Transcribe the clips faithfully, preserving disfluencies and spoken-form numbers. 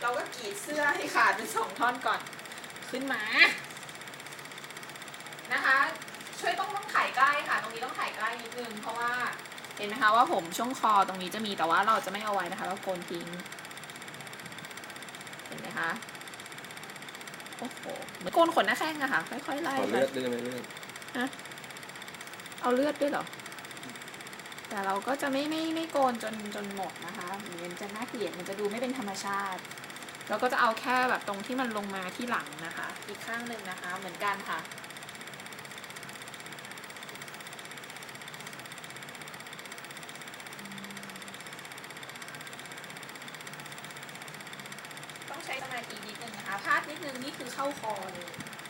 เราก็กรีดเสื้อให้ขาดเป็นสองท่อนก่อนขึ้นมานะคะช่วยต้องต้องถ่ายใกล้ค่ะตรงนี้ต้องถ่ายใกล้นิดนึงเพราะว่าเห็นไหมคะว่าผมช่วงคอตรงนี้จะมีแต่ว่าเราจะไม่เอาไว้นะคะเราโกนทิ้งเห็นไหมคะโอ้โหเหมือนโกนขนหน้าแข้งอะค่ะค่อยๆไล่ขอเลือดด้วยไหมเลือดฮะเอาเลือดด้วยเหรอแต่เราก็จะไม่ไม่ไม่โกนจนจนหมดนะคะมันจะน่าเกลียดมันจะดูไม่เป็นธรรมชาติเราก็จะเอาแค่แบบตรงที่มันลงมาที่หลังนะคะอีกข้างหนึ่งนะคะเหมือนกันค่ะต้องใช้สมาธินิดนึงนะคะพลาดนิดนึงนี่คือเข้าคอเลย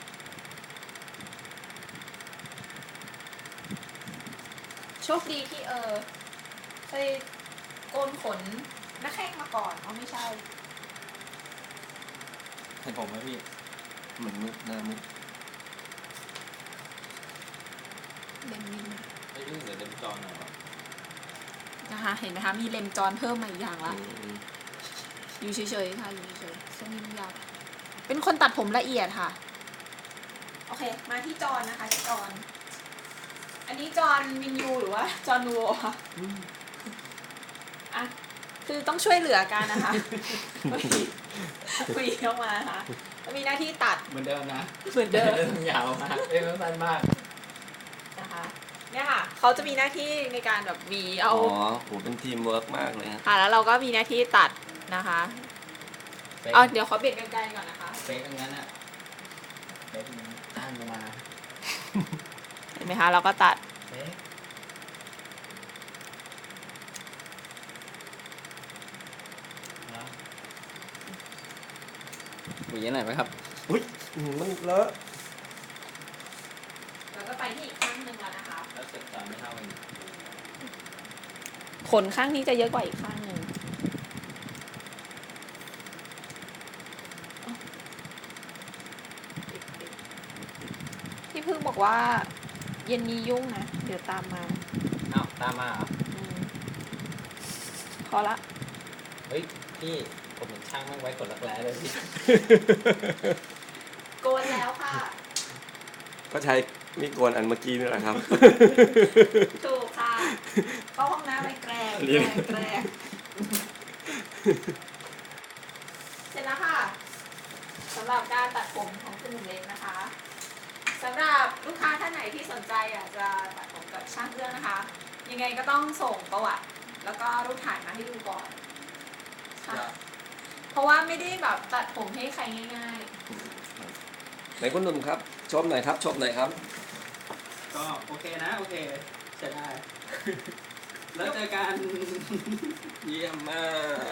โชคดีที่เออเคยโกนขนหน้าแข้งมาก่อนเอาไม่ใช่เห็นผมไหมพี่เหมือนมืดหน้ามืดเล็มนิดนึงไม่รู้เดี๋ยวเล็มจอหน่อยวะนะคะเห็นไหมคะมีเลมจอนเพิ่มมาอีกอย่างละอยู่เฉยๆค่ะอยู่เฉยๆเส้นนี้มันยาวเป็นคนตัดผมละเอียดค่ะโอเคมาที่จอนนะคะที่จอนอันนี้จอนวินยูหรือว่าจอนนูโวค่ะอ่ะคือต้องช่วยเหลือกันนะคะคุยเข้ามาค่ะแล้วมีหน้าที่ตัดเหมือนเดิมนะเหมือนเดิมยาวมากเอ้ยมันสั้นมากนะคะเนี่ยค่ะเขาจะมีหน้าที่ในการแบบวีเอาอ๋อโหเป็นทีมเวิร์กมากเลยค่ะแล้วเราก็มีหน้าที่ตัดนะคะเอาเดี๋ยวเขาเบียดกันไกลก่อนนะคะเป๊กงั้นอ่ะเป๊กตั้งมาเห็นไหมคะเราก็ตัดเป๊กหวีไหนไหมครับอุ้ยมันเลอะแล้วก็ไปที่อีกข้างหนึ่งแล้วนะคะแล้วเสร็จตามไม่เท่ากันขนข้างนี้จะเยอะกว่าอีกข้างหนึ่งพี่พึ่งบอกว่าเย็นนี้ยุ่งนะเดี๋ยวตามมาอ้าวตามมาเหรอพอละเฮ้ยพี่ผมเห็นช่างมั่งไว้ขนรักแร้เลยพี่โกนแล้วค่ะก็ใช้มีโกนอันเมื่อกี้นี่แหละครับถูกค่ะเข้าห้องน้ำไปแกล้งแกล้งแกล้งเสร็จแล้วค่ะสำหรับการตัดผมของคุณหนุ่มเล็กนะคะสำหรับลูกค้าท่านไหนที่สนใจอยากจะตัดผมกับช่างเอื้องนะคะยังไงก็ต้องส่งประวัติแล้วก็รูปถ่ายมาให้ดูก่อนค่ะเพราะว่าไม่ได้แบบตัดผมให้ใครง่ายๆไหนคุณหนุ่มครับชมหน่อยครับชมหน่อยครับก็โอเคนะโอเคใช้ได้แล้วเจอกันเยี่ยมมาก